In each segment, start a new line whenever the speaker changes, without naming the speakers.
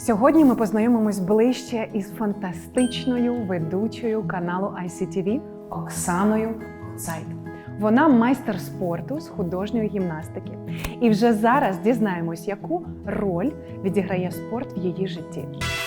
Сьогодні ми познайомимось ближче із фантастичною ведучою каналу ICTV Оксаною Гуцайт. Вона майстер спорту з художньої гімнастики. І вже зараз дізнаємось, яку роль відіграє спорт в її житті.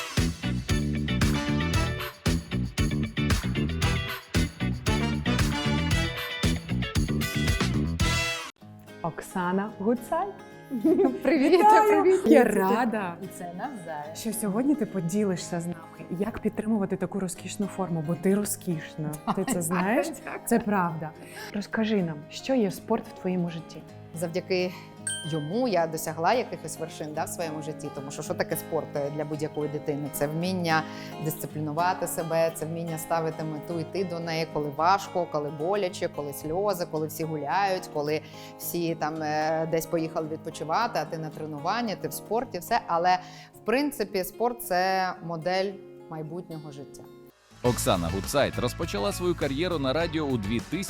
Оксана Гуцайт.
Привіт, привіт.
Я рада,
Це навзаєм.
що сьогодні ти поділишся з нами, як підтримувати таку розкішну форму, бо ти розкішна. Ти це знаєш? Це правда. Розкажи нам, що є спорт в твоєму житті?
Завдяки йому я досягла якихось вершин в своєму житті. Тому що таке спорт для будь-якої дитини? Це вміння дисциплінувати себе, це вміння ставити мету, йти до неї, коли важко, коли боляче, коли сльози, коли всі гуляють, коли всі там десь поїхали відпочивати, а ти на тренуванні, ти в спорті, все. Але в принципі спорт – це модель майбутнього життя.
Оксана Гуцайт розпочала свою кар'єру на радіо у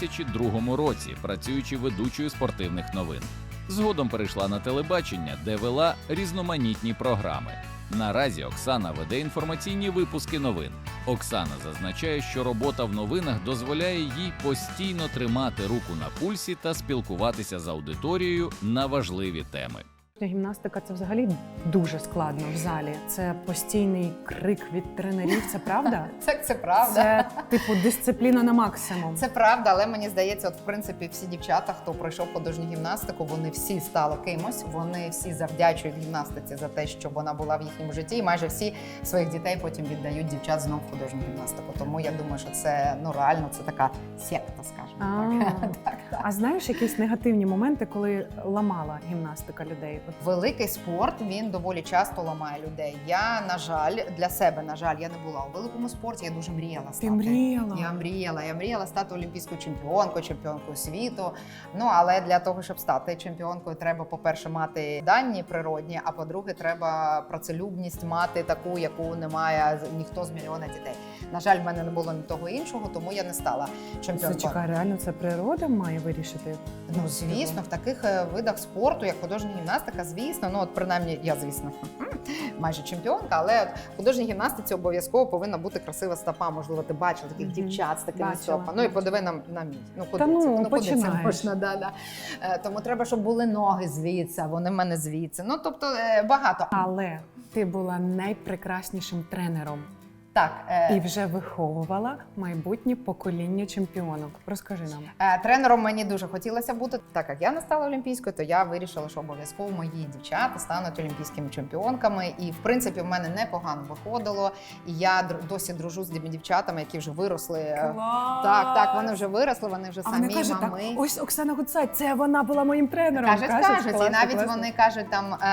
2002 році, працюючи ведучою спортивних новин. Згодом перейшла на телебачення, де вела різноманітні програми. Наразі Оксана веде інформаційні випуски новин. Оксана зазначає, що робота в новинах дозволяє їй постійно тримати руку на пульсі та спілкуватися з аудиторією на важливі теми.
Гімнастика – це взагалі дуже складно в залі. Це постійний крик від тренерів, це правда?
Це правда.
Це, типу, дисципліна на максимум.
Це правда, але мені здається, в принципі, всі дівчата, хто пройшов художню гімнастику, вони всі стали кимось, вони всі завдячують гімнастиці за те, що вона була в їхньому житті, і майже всі своїх дітей потім віддають дівчат знов в художню гімнастику. Тому я думаю, що це, реально, це така секта, скажімо так.
А знаєш якісь негативні моменти, коли ламала гімнастика людей?
Великий спорт, він доволі часто ламає людей. Я, на жаль, для себе, я не була у великому спорті, я дуже мріяла стати.
Ти мріяла?
Я мріяла стати олімпійською чемпіонкою світу. Але для того, щоб стати чемпіонкою, треба, по-перше, мати дані природні, а по-друге, треба працелюбність мати таку, яку не має ніхто з мільйона дітей. На жаль, в мене не було ні того іншого, тому я не стала чемпіонкою.
Чекай, реально це природа має вирішити?
Звісно, в таких видах спорту, як художня гімнастика, звісно, принаймні я, звісно, майже чемпіонка, але в художній гімнастиці обов'язково повинна бути красива стопа. Можливо, ти бачила таких дівчат з такими стопами. І подиви на мій. Куди це можна? Тому треба, щоб були ноги звідси, вони в мене звідси. Тобто багато.
Але ти була найпрекраснішим тренером.
Так.
І вже виховувала майбутнє покоління чемпіонок. Розкажи нам.
Тренером мені дуже хотілося бути. Так як я не стала олімпійською, то я вирішила, що обов'язково мої дівчата стануть олімпійськими чемпіонками. І, в принципі, в мене непогано виходило. І я досі дружу з тими дівчатами, які вже виросли.
Клас!
Так, вони вже виросли, вони вже самі
вони кажуть,
мами.
Так, ось Оксана Гуцайт, це вона була моїм тренером.
Кажуть.
Клас,
І навіть
класно.
вони кажуть,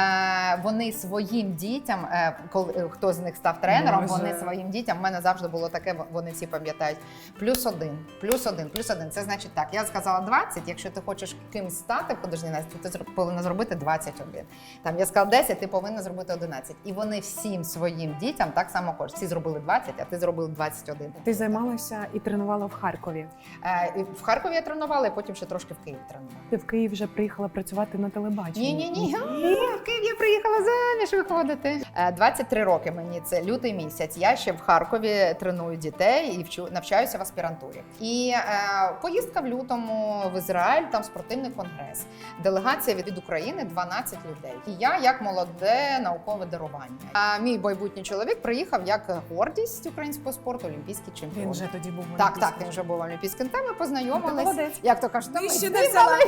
вони своїм дітям, коли хто з них став тренером, вони своїм дітям, в мене завжди було таке, вони всі пам'ятають, плюс один. Це значить так, я сказала 20, якщо ти хочеш кимсь стати в художній гімнастиці, ти повинна зробити 21. Я сказала 10, ти повинна зробити 11. І вони всім своїм дітям так само хочуть. Всі зробили 20, а ти зробив 21.
Ти займалася і тренувала в Харкові?
В Харкові я тренувала, і потім ще трошки в Києві тренувала.
Ти в Київ вже приїхала працювати на телебаченні?
Ні. В Київ я приїхала заміж виходити. 23 роки мені, це лютий місяць. Я ще в Харкові треную дітей і навчаюся в аспірантурі. І поїздка в лютому в Ізраїль, там спортивний конгрес. Делегація від України 12 людей. І я як молоде наукове дарування. А мій майбутній чоловік приїхав як гордість українського спорту, олімпійський чемпіон.
Він вже тоді був
олімпійським. Так, він вже був олімпійським. Там ми познайомились.
Як
то кажуть,
нижче не взяла.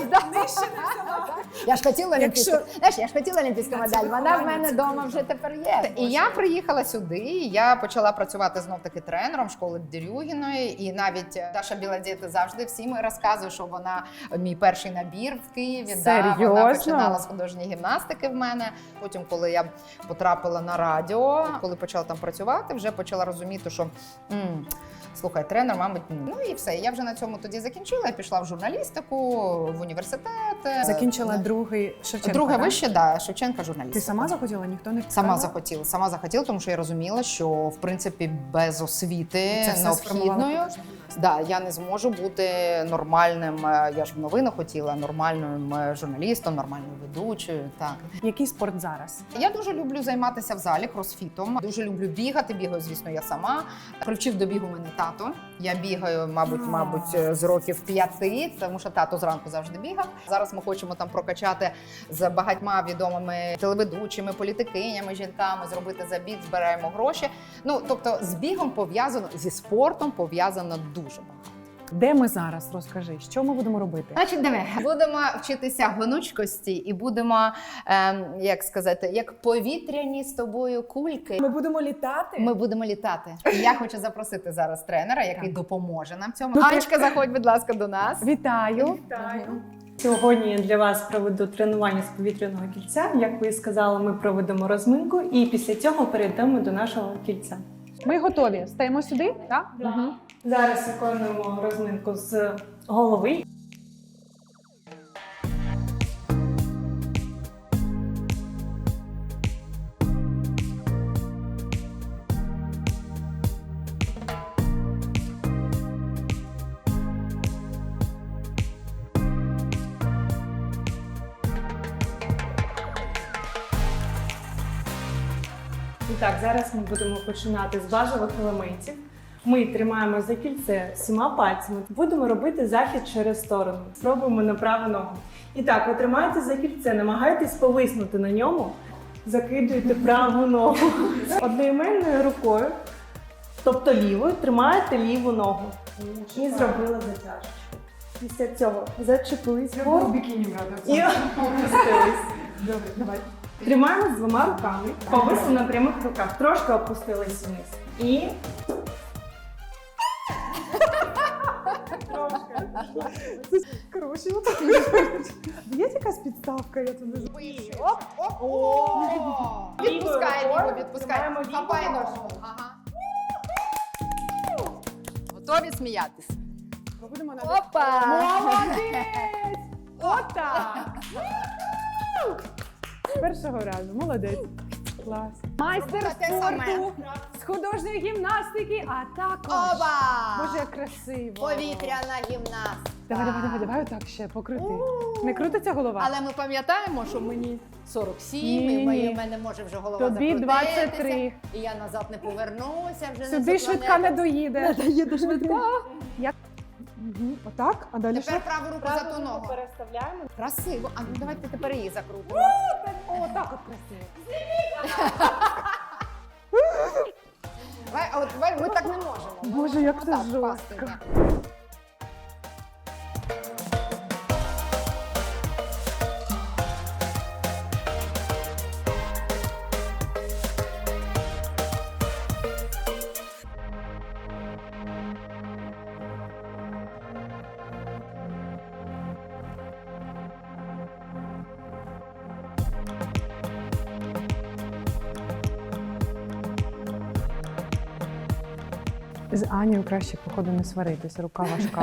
Я ж хотіла олімпійську. Знаєш, я ж хотіла олімпійську медаль. Вона в мене вдома вже тепер є. І я приїхала сюди, і я почала працювати знов-таки тренером школи Дерюгіної. І навіть Даша Білодєта завжди всім розказує, що вона мій перший набір в Києві. Вона починала з художньої гімнастики в мене. Потім, коли я потрапила на радіо, коли почала там працювати, вже почала розуміти, що слухай, тренер, мабуть, і все. Я вже на цьому тоді закінчила, я пішла в журналістику, в університет.
Закінчила другий Шевченка,
Друге вище, Шевченка журналістика.
Ти сама захотіла? Ніхто не
Сама захотіла, тому що я розуміла, що, в принципі, принципі, без освіти
Це все сформувало
необхідною.
художню гімнастику.
Да, я не зможу бути нормальним, я ж в новинах хотіла, нормальним журналістом, нормальною ведучою. Так.
Який спорт зараз?
Я дуже люблю займатися в залі кросфітом. Дуже люблю бігати. Бігаю, звісно, я сама. Привчив до бігу мене тато. Я бігаю, мабуть, з років 5, тому що тато зранку завжди бігав. Зараз ми хочемо там прокачати з багатьма відомими телеведучими, політикинями, жінками, зробити забіг, збираємо гроші. Ну, тобто, з бігом пов'язано, зі спортом пов'язано дуже багато.
Де ми зараз? Розкажи, що ми будемо робити?
Значить, диви, будемо вчитися гнучкості і будемо, як сказати, як повітряні з тобою кульки.
Ми будемо літати?
Ми будемо літати. І я хочу запросити зараз тренера, який
Так.
допоможе нам в цьому.
Ну, ти-
Анечка, заходь, будь ласка, до нас.
Вітаю!
Сьогодні я для вас проведу тренування з повітряного кільця. Як ви і сказали, ми проведемо розминку і після цього перейдемо до нашого кільця.
Ми готові. Стаємо сюди? Так? Угу.
Зараз виконуємо розминку з голови. І так, зараз ми будемо починати з базових елементів. Ми тримаємо за кільце 7 пальцями. Будемо робити захід через сторону. Спробуємо на праву ногу. І так, ви тримаєте за кільце, намагайтесь повиснути на ньому. Закидуєте праву ногу. Одноіменною рукою, тобто лівою, тримаєте ліву ногу. І зробили затяжку. Після цього зачепились вгору
бікіні брати.
і опустились. Добре, давай. Тримаємо з 2 руками, повисли на прямих руках, трошки опустились вниз. І
Коротше, є якась підставка, я туди
Оп, оп, о! Відпускай
Лівою
ліву, відпускай.
тримаємо ліву
Хапай
ногу.
ножку. Ага. Готові сміятись?
Ми будемо на
Опа!
Молодець! Отак! З першого разу. Молодець. Клас. Майстер
Те саме.
спорту з художньої гімнастики, а також...
Оба!
Боже, як красиво.
Повітряна гімнастика.
Давай отак ще покрути. Не крутиться голова?
Але ми пам'ятаємо, що мені 47,
Ні.
і в мене може вже голова
Тобі
закрутитися,
23.
і я назад не повернуся, вже
Сюди
не
швидка не доїде.
Не доїде швидка.
Як? Мгм. Отак? А далі що?
Тепер праву руку за ту ногу.
переставляємо.
Красиво. А ну давайте тепер її закрутимо.
О, так от красиво.
Давай, а от ми так не можемо.
Боже, як це
Отак,
жорстко.
пасти, так.
З Анією краще, походу, не сваритися, рука важка.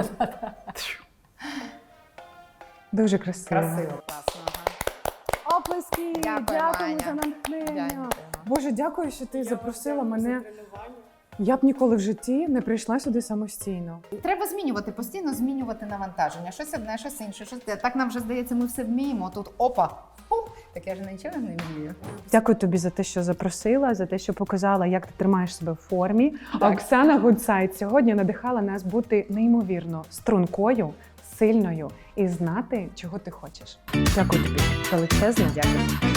Дуже красиво.
Красиво, класно. Ага.
Оплески!
Дякую,
Дякуємо
Аня.
за натхнення.
Дякую.
Боже, дякую, що ти запросила мене. Я б ніколи в житті не прийшла сюди самостійно.
Треба змінювати, постійно змінювати навантаження. Щось одне, щось інше. Щось те. Так нам вже здається, ми все вміємо. Тут опа. Так я ж нічого не вмію.
Дякую тобі за те, що запросила, за те, що показала, як ти тримаєш себе в формі. А
Так.
Оксана Гудсайт сьогодні надихала нас бути неймовірно стрункою, сильною і знати, чого ти хочеш. Дякую тобі. Величезне дякую.